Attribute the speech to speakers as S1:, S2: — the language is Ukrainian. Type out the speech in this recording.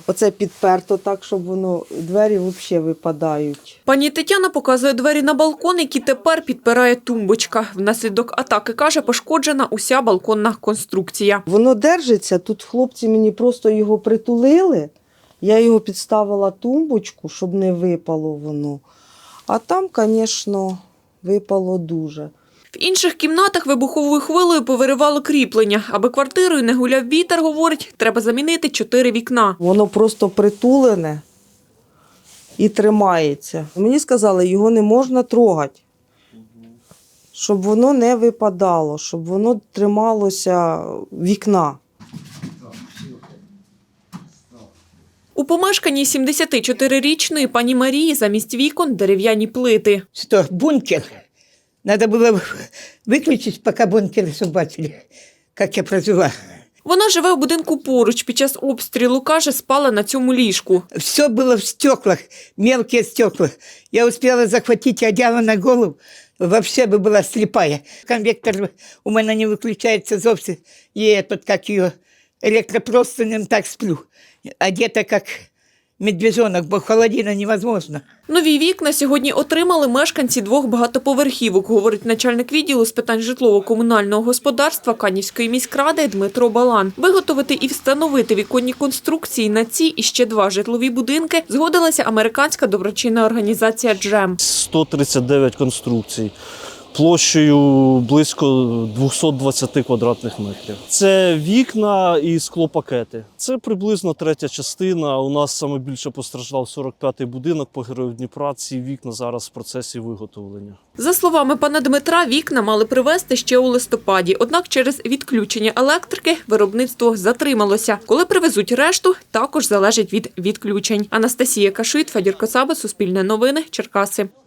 S1: оце підперто так, щоб воно, двері взагалі випадають.
S2: Пані Тетяна показує двері на балкон, які тепер підпирає тумбочка. Внаслідок атаки, каже, пошкоджена уся балконна конструкція.
S1: Воно держиться, тут хлопці мені просто його притулили, я його підставила тумбочку, щоб не випало воно. А там, звісно, випало дуже.
S2: В інших кімнатах вибуховою хвилею повиривало кріплення. Аби квартирою не гуляв вітер, говорить, треба замінити 4 вікна.
S1: Воно просто притулене і тримається. Мені сказали, його не можна трогати, щоб воно не випадало, щоб воно трималося вікна.
S2: У помешканні 74-річної пані Марії замість вікон дерев'яні плити.
S3: Что, бункер? Надо было выключить, пока бункер собачили, как я прожила.
S2: Вона живе в будинку поруч. Під час обстрілу, каже, спала на цьому ліжку.
S3: Все было в стеклах, мелкие стекла. Я успела захватить одеяло на голову, вообще бы была слепая. Конвектор у меня не выключается зовсім. И этот, как ее, электропростынем так сплю. Одета как медвежонок, бо холодина невозможно.
S2: Нові вікна сьогодні отримали мешканці 2 багатоповерхівок, говорить начальник відділу з питань житлово-комунального господарства Канівської міськради Дмитро Балан. Виготовити і встановити віконні конструкції на ці і ще 2 житлові будинки згодилася американська доброчинна організація «Джем».
S4: 139 конструкцій площею близько 220 квадратних метрів. Це вікна і склопакети. Це приблизно третя частина. У нас саме більше постраждав 45-й будинок по Герою Дніпра. Ці вікна зараз в процесі виготовлення.
S2: За словами пана Дмитра, вікна мали привезти ще у листопаді. Однак через відключення електрики виробництво затрималося. Коли привезуть решту, також залежить від відключень. Анастасія Кашит, Федір Коцаба, Суспільне новини, Черкаси.